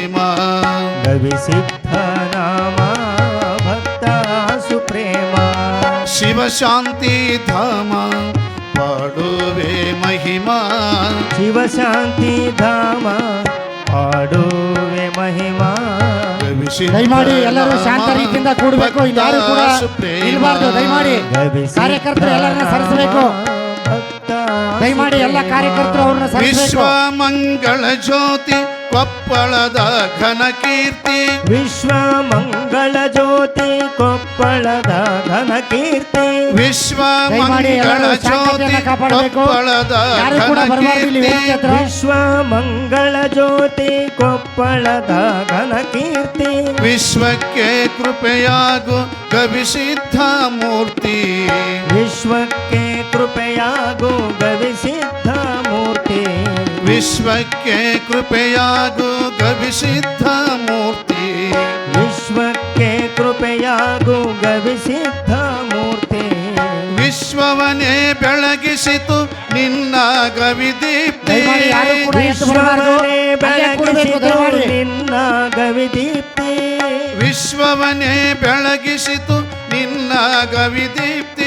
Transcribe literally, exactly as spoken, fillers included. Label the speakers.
Speaker 1: महिमा
Speaker 2: ಗವಿಸಿದ್ಧ ನಾಮ ಭಕ್ತ ಸುಪ್ರೇಮ
Speaker 1: ಶಿವ ಶಾಂತಿ ಧಾಮ ಪಾಡುವೆ ಮಹಿಮಾ
Speaker 2: ಶಿವ ಶಾಂತಿ ಧಾಮ ಪಾಡುವೆ ಮಹಿಮಾ
Speaker 3: ದಯಮಾಡಿ ಎಲ್ಲರೂ ಶಾಂತ ರೀತಿಯಿಂದ ಕೂಡಬೇಕು. ಇಲ್ಲಿ ಯಾರು ಕೂಡ ನಿಲ್ಬಾರ್ದು. ದಯಮಾಡಿ ಕಾರ್ಯಕರ್ತರು ಎಲ್ಲರನ್ನ ಸರಿಸಬೇಕು. ದಯಮಾಡಿ ಎಲ್ಲ ಕಾರ್ಯಕರ್ತರು ಅವ್ರನ್ನ ಸರಿಸಬೇಕು.
Speaker 1: ವಿಶ್ವ ಮಂಗಳ ಜ್ಯೋತಿ ಕೊಪ್ಪಳದ ಘನ ಕೀರ್ತಿ
Speaker 2: ವಿಶ್ವ ಮಂಗಳ ಜ್ಯೋತಿ ಕೊಪ್ಪಳದ ಘನ ಕೀರ್ತಿ
Speaker 1: ವಿಶ್ವ ಮಂಗಳ ಜ್ಯೋತಿ ಕೊಪ್ಪಳದ ಘನ ಕೀರ್ತಿ
Speaker 2: ವಿಶ್ವ ಮಂಗಳ ಜ್ಯೋತಿ ಕೊಪ್ಪಳದ ಘನ ಕೀರ್ತಿ
Speaker 1: ವಿಶ್ವಕ್ಕೆ ಕೃಪೆಯಾಗು ಗವಿಸಿದ್ಧ ಮೂರ್ತಿ
Speaker 2: ವಿಶ್ವಕ್ಕೆ ಕೃಪೆಯಾಗು ಗವಿಸಿದ್ಧ ಮೂರ್ತಿ
Speaker 1: ವಿಶ್ವಕ್ಕೆ ಕೃಪೆಯಾಗು ಗವಿಸಿದ್ಧ ಮೂರ್ತಿ
Speaker 2: ವಿಶ್ವಕ್ಕೆ ಕೃಪೆಯಾಗು ಗವಿಸಿದ್ಧ ಮೂರ್ತಿ
Speaker 1: ವಿಶ್ವವನ್ನೇ ಬೆಳಗಿಸಿತು ನಿನ್ನ ಗವಿದೀಪ್ತಿ
Speaker 2: ವಿಶ್ವವನ್ನೇ ಬೆಳಗಿಸಿತು ನಿನ್ನ ಗವಿದೀಪ್ತಿ
Speaker 1: ವಿಶ್ವವನ್ನೇ ಬೆಳಗಿಸಿತು ನಿನ್ನ ಗವಿದೀಪ್ತಿ